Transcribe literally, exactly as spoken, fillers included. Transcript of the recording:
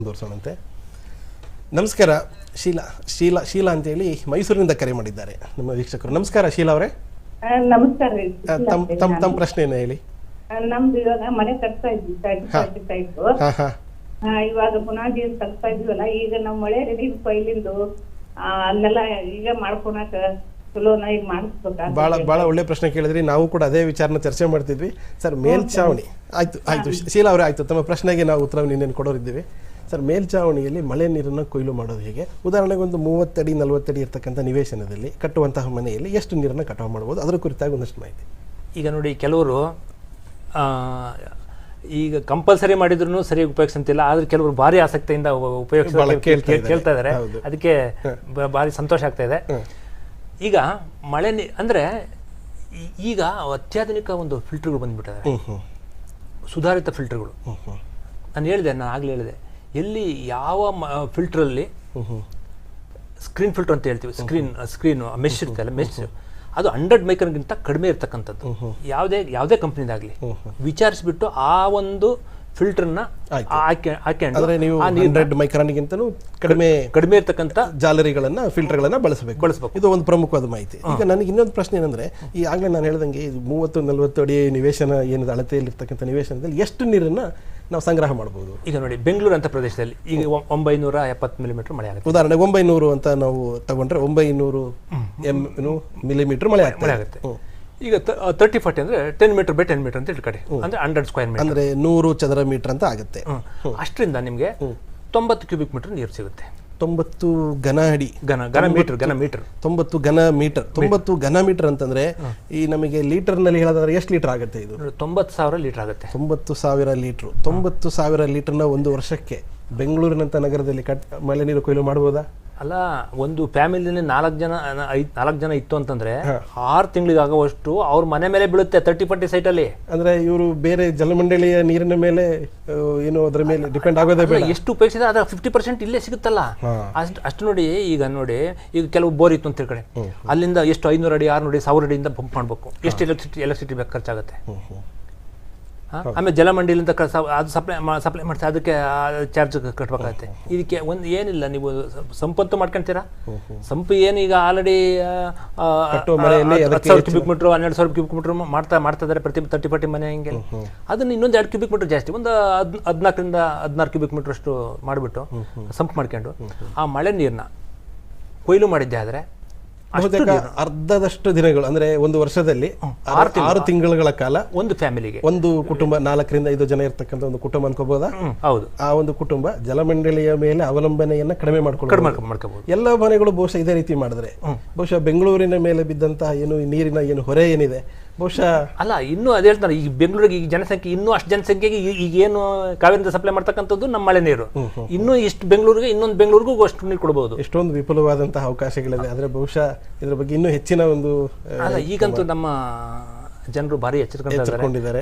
ಮುಂದುವರಿಸೋಣಂತೆ. ನಮಸ್ಕಾರ ಶೀಲಾ ಶೀಲಾ ಶೀಲಾ ಅಂತೇಳಿ ಮೈಸೂರಿನಿಂದ ಕರೆ ಮಾಡಿದ್ದಾರೆ ನಮ್ಮ ವೀಕ್ಷಕರು. ನಮಸ್ಕಾರ ಶೀಲಾ ಅವರೇ. ನಮಸ್ಕಾರ ರೀ. ತಮ್ಮ ತಮ್ಮ ತಮ್ಮ ಪ್ರಶ್ನೆ ಏನು ಹೇಳಿ. ನಮ್ದು ಇವಾಗ ಮನೆ ಕಟ್ತಾ ಇದ್ವಿ ಟೈಪ್ ಇವಾಗ ಬುನಾದಿ ಕಟ್ತಾ ಇದ್ವಲ್ಲ, ಈಗ ನಾವ್ ಮಳೆ ರೆಡಿ ಕೊಯ್ಲಿಂದು ಅಲ್ಲೆಲ್ಲ ಈಗ ಮಾಡ್ಕೊಳಕ ಚಲೋನ ಈಗ ಮಾಡಿಸ್ಬೇಕಾ? ಬಹಳ ಬಹಳ ಒಳ್ಳೆ ಪ್ರಶ್ನೆ ಕೇಳಿದ್ರಿ. ನಾವು ಕೂಡ ಅದೇ ವಿಚಾರನ ಚರ್ಚೆ ಮಾಡ್ತಿದ್ವಿ ಸರ್. ಮೇಲ್ಛಾವಣಿ ಆಯ್ತು ಆಯ್ತು ಶೀಲಾ ಅವರೇ, ಆಯ್ತು ತಮ್ಮ ಪ್ರಶ್ನೆಗೆ ನಾವು ಉತ್ತರ ನಿನ್ನೇನು ಕೊಡೋರಿದ್ದೀವಿ ಸರ್. ಮೇಲ್ಛಾವಣಿಯಲ್ಲಿ ಮಳೆ ನೀರನ್ನು ಕೊಯ್ಲು ಮಾಡೋದು ಹೇಗೆ? ಉದಾಹರಣೆಗೆ ಒಂದು ಮೂವತ್ತಡಿ ನಲ್ವತ್ತಡಿ ಇರ್ತಕ್ಕಂಥ ನಿವೇಶನದಲ್ಲಿ ಕಟ್ಟುವಂತಹ ಮನೆಯಲ್ಲಿ ಎಷ್ಟು ನೀರನ್ನು ಕಟಾವು ಮಾಡ್ಬೋದು, ಅದರ ಕುರಿತಾಗಿ ಒಂದಷ್ಟು ಮಾಹಿತಿ. ಈಗ ನೋಡಿ, ಕೆಲವರು ಈಗ ಕಂಪಲ್ಸರಿ ಮಾಡಿದ್ರು ಸರಿಯಾಗಿ ಉಪಯೋಗಿಸಂತಿಲ್ಲ, ಆದ್ರೆ ಕೆಲವರು ಭಾರಿ ಆಸಕ್ತಿಯಿಂದ ಉಪಯೋಗಿಸ ಕೇಳ್ತಾ ಇದ್ದಾರೆ. ಅದಕ್ಕೆ ಭಾರಿ ಸಂತೋಷ ಆಗ್ತಾ ಇದೆ. ಈಗ ಮಳೆ ನೀ ಅಂದರೆ ಈಗ ಅತ್ಯಾಧುನಿಕ ಒಂದು ಫಿಲ್ಟರ್ಗಳು ಬಂದ್ಬಿಟ್ಟಿದ್ದಾರೆ, ಸುಧಾರಿತ ಫಿಲ್ಟರ್ಗಳು. ನಾನು ಹೇಳಿದೆ, ನಾನು ಆಗಲೇ ಹೇಳಿದೆ, ಎಲ್ಲಿ ಯಾವ ಫಿಲ್ಟ್ರಲ್ಲಿ ಸ್ಕ್ರೀನ್ ಫಿಲ್ಟರ್ ಅಂತ ಹೇಳ್ತೀವಿ, ಸ್ಕ್ರೀನ್ ಸ್ಕ್ರೀನ್ ಮೆಶ್ ಇರ್ತಲ್ಲ, ಮೆಶ್ ಅದು ಹಂಡ್ರೆಡ್ ಮೈಕ್ರನ್ಗಿಂತ ಕಡಿಮೆ ಇರ್ತಕ್ಕಂಥದ್ದು ಯಾವುದೇ ಯಾವುದೇ ಕಂಪ್ನಿದಾಗಲಿ ವಿಚಾರಿಸ್ಬಿಟ್ಟು ಆ ಒಂದು ಫಿಲ್ಟರ್ನ ಆಯ್ಕೆ ನೀವು ಹಂಡ್ರೆಡ್ ಮೈಕ್ರಾನ್ಗಿಂತಲೂ ಕಡಿಮೆ ಕಡಿಮೆ ಇರ್ತಕ್ಕಂಥ ಜಾಲರಿಗಳನ್ನ ಫಿಲ್ಟರ್ಗಳನ್ನ ಬಳಸಬೇಕು ಬಳಸಬೇಕು ಇದು ಒಂದು ಪ್ರಮುಖವಾದ ಮಾಹಿತಿ. ಈಗ ನನಗೆ ಇನ್ನೊಂದು ಪ್ರಶ್ನೆ ಏನಂದ್ರೆ, ಈ ಆಗಲೇ ನಾನು ಹೇಳ್ದಂಗೆ ಮೂವತ್ತು ನಲ್ವತ್ತು ಅಡಿ ನಿವೇಶನ ಏನಿದೆ ಅಳತೆಯಲ್ಲಿರ್ತಕ್ಕಂಥ ನಿವೇಶನದಲ್ಲಿ ಎಷ್ಟು ನೀರನ್ನ ನಾವು ಸಂಗ್ರಹ ಮಾಡಬಹುದು? ಈಗ ನೋಡಿ, ಬೆಂಗಳೂರು ಅಂತ ಪ್ರದೇಶದಲ್ಲಿ ಈಗ ಒಂಬೈನೂರ ಎಪ್ಪತ್ತು ಮಿಲಿಮೀಟರ್ ಮಳೆ ಆಗುತ್ತೆ. ಉದಾಹರಣೆಗೆ ಒಂಬೈನೂರು ಅಂತ ನಾವು ತಗೊಂಡ್ರೆ ಒಂಬೈನೂರು ಎಂ ಮಿಲಿಮೀಟರ್ ಮಳೆ ಮಳೆ ಆಗುತ್ತೆ. ಈಗ ತರ್ಟಿ ಫಾರ್ಟಿ ಅಂದ್ರೆ ten metre by ten metre ಅಂತ ಇಟ್ಕಡೆ ಅಂದ್ರೆ ಹಂಡ್ರೆಡ್ ಸ್ಕ್ವೇರ್ ಮೀಟರ್ ಅಂದ್ರೆ ನೂರು ಚದರ ಮೀಟರ್ ಅಂತ ಆಗುತ್ತೆ. ಅಷ್ಟರಿಂದ ನಿಮಗೆ ತೊಂಬತ್ತು ಕ್ಯೂಬಿಕ್ ಮೀಟರ್ ನೀರು ಸಿಗುತ್ತೆ. ತೊಂಬತ್ತು ಘನ ಅಡಿ ಘನ ಘನ ಮೀಟರ್ ಘನ ಮೀಟರ್ ತೊಂಬತ್ತು ಘನ ಮೀಟರ್ ತೊಂಬತ್ತು ಘನ ಮೀಟರ್ ಅಂತಂದ್ರೆ ಈ ನಮಗೆ ಲೀಟರ್ ನಲ್ಲಿ ಹೇಳೋದಾದ್ರೆ ಎಷ್ಟು ಲೀಟರ್ ಆಗುತ್ತೆ? ಇದು ತೊಂಬತ್ತು ಸಾವಿರ ಲೀಟರ್ ಆಗುತ್ತೆ. ತೊಂಬತ್ತು ಸಾವಿರ ಲೀಟರ್ ತೊಂಬತ್ತು ಸಾವಿರ ಲೀಟರ್ನ ಒಂದು ವರ್ಷಕ್ಕೆ ಬೆಂಗಳೂರಿನಂತ ನಗರದಲ್ಲಿ ಕಟ್ ಮಳೆ ನೀರು ಕೊಯ್ಲು ಮಾಡಬಹುದಾ? ಅಲ್ಲ, ಒಂದು ಫ್ಯಾಮಿಲಿನಲ್ಲಿ ನಾಲ್ಕು ಜನ ಐದು ನಾಲ್ಕು ಜನ ಇತ್ತು ಅಂತಂದ್ರೆ ಆರು ತಿಂಗಳಿಗೆ ಆಗುವಷ್ಟು ಅವ್ರ ಮನೆ ಮೇಲೆ ಬೀಳುತ್ತೆ ತರ್ಟಿ ಫಾರ್ಟಿ ಸೈಟ್ ಅಲ್ಲಿ. ಅಂದ್ರೆ ಇವರು ಬೇರೆ ಜಲಮಂಡಳಿಯ ನೀರಿನ ಮೇಲೆ ಏನು ಅದರ ಮೇಲೆ ಡಿಪೆಂಡ್ ಆಗೋದೇ ಬೇಡ. ಎಷ್ಟು ಉಪಯೋಗಿಸಿದ್ರೆ ಅದ್ರ ಫಿಫ್ಟಿ ಪರ್ಸೆಂಟ್ ಇಲ್ಲೇ ಸಿಗುತ್ತಲ್ಲ. ಅಷ್ಟು ಅಷ್ಟು ನೋಡಿ, ಈಗ ನೋಡಿ, ಈಗ ಕೆಲವು ಬೋರ್ ಇತ್ತು ಅಂತ ಕಡೆ ಅಲ್ಲಿಂದ ಎಷ್ಟು ಐನೂರು ಅಡಿ ಆರ್ನೂರು ಅಡಿ ಸಾವಿರ ಅಡಿಯಿಂದ ಪಂಪ್ ಮಾಡಬೇಕು. ಎಷ್ಟು ಎಲೆಕ್ಟ್ರಿಸಿಟಿ ಎಲೆಕ್ಟ್ರಿಸಿಟಿ ಬೇಕು ಖರ್ಚಾಗುತ್ತೆ. ಆಮೇಲೆ ಜಲಮಂಡಿಲಿಂದ ಅದು ಸಪ್ಲೈ ಸಪ್ಲೈ ಮಾಡ್ತಾರೆ, ಅದಕ್ಕೆ ಚಾರ್ಜ್ ಕಟ್ಬೇಕಾಗತ್ತೆ. ಇದಕ್ಕೆ ಒಂದು ಏನಿಲ್ಲ, ನೀವು ಸಂಪತ್ತು ಮಾಡ್ಕೊಂತೀರಾ. ಸಂಪು ಏನು ಈಗ ಆಲ್ರೆಡಿ ಹತ್ತು ಸಾವಿರ ಕ್ಯೂಬಿಕ್ ಮೀಟರ್ ಹನ್ನೆರಡು ಸಾವಿರ ಕ್ಯೂಬಿಕ್ ಮೀಟರ್ ಮಾಡ್ತಾ ಮಾಡ್ತಾ ಇದ್ದಾರೆ ಪ್ರತಿ ತರ್ಟಿ ಫಾರ್ಟಿ ಮನೆ. ಹಿಂಗೆ ಅದನ್ನ ಇನ್ನೊಂದು ಎರಡು ಕ್ಯೂಬಿಕ್ ಮೀಟರ್ ಜಾಸ್ತಿ, ಒಂದು ಹದ್ ಹದಿನಾಲ್ಕರಿಂದ ಹದಿನಾರು ಕ್ಯೂಬಿಕ್ ಮೀಟರ್ ಅಷ್ಟು ಮಾಡಿಬಿಟ್ಟು ಸಂಪ್ ಮಾಡ್ಕೊಂಡು ಆ ಮಳೆ ನೀರನ್ನ ಕೊಯ್ಲು ಮಾಡಿದ್ದೆ ಆದರೆ ಅರ್ಧದಷ್ಟು ದಿನಗಳು ಅಂದ್ರೆ ಒಂದು ವರ್ಷದಲ್ಲಿ ಆರು ತಿಂಗಳ ಕಾಲ ಒಂದು ಫ್ಯಾಮಿಲಿಗೆ ಒಂದು ಕುಟುಂಬ ನಾಲ್ಕರಿಂದ ಐದು ಜನ ಇರ್ತಕ್ಕಂಥ ಒಂದು ಕುಟುಂಬ ಅನ್ಕೋಬಹುದಾ? ಹೌದು. ಆ ಒಂದು ಕುಟುಂಬ ಜಲಮಂಡಳಿಯ ಮೇಲೆ ಅವಲಂಬನೆಯನ್ನ ಕಡಿಮೆ ಮಾಡ್ಕೊಂಡು ಎಲ್ಲ ಮನೆಗಳು ಬಹುಶಃ ಇದೇ ರೀತಿ ಮಾಡಿದ್ರೆ ಬಹುಶಃ ಬೆಂಗಳೂರಿನ ಮೇಲೆ ಬಿದ್ದಂತಹ ಏನು ನೀರಿನ ಏನು ಹೊರೆ ಏನಿದೆ ಬಹುಶಃ ಅಲ್ಲ, ಇನ್ನೂ ಅದೇ ಹೇಳ್ತಾರೆ, ಈಗ ಬೆಂಗಳೂರಿಗೆ ಈಗ ಜನಸಂಖ್ಯೆ ಇನ್ನೂ ಅಷ್ಟು ಜನಸಂಖ್ಯೆಗೆ ಈಗ ಏನು ಕಾವೇರಿಂದ ಸಪ್ಲೈ ಮಾಡ್ತಕ್ಕಂಥದ್ದು ನಮ್ಮ ಮಳೆ ನೀರು. ಇನ್ನೂ ಇಷ್ಟು ಬೆಂಗಳೂರಿಗೆ ಇನ್ನೊಂದು ಬೆಂಗಳೂರಿಗೂ ಅಷ್ಟು ನೀರು ಕೊಡಬಹುದು. ಎಷ್ಟೊಂದು ವಿಪುಲವಾದಂತಹ ಅವಕಾಶಗಳಿದೆ. ಆದ್ರೆ ಬಹುಶಃ ಇದ್ರ ಬಗ್ಗೆ ಇನ್ನೂ ಹೆಚ್ಚಿನ ಒಂದು ಅಲ್ಲ, ಈಗಂತೂ ನಮ್ಮ ಜನರು ಭಾರಿ ಎಚ್ಚರಿಕೊಂಡಿದ್ದಾರೆ.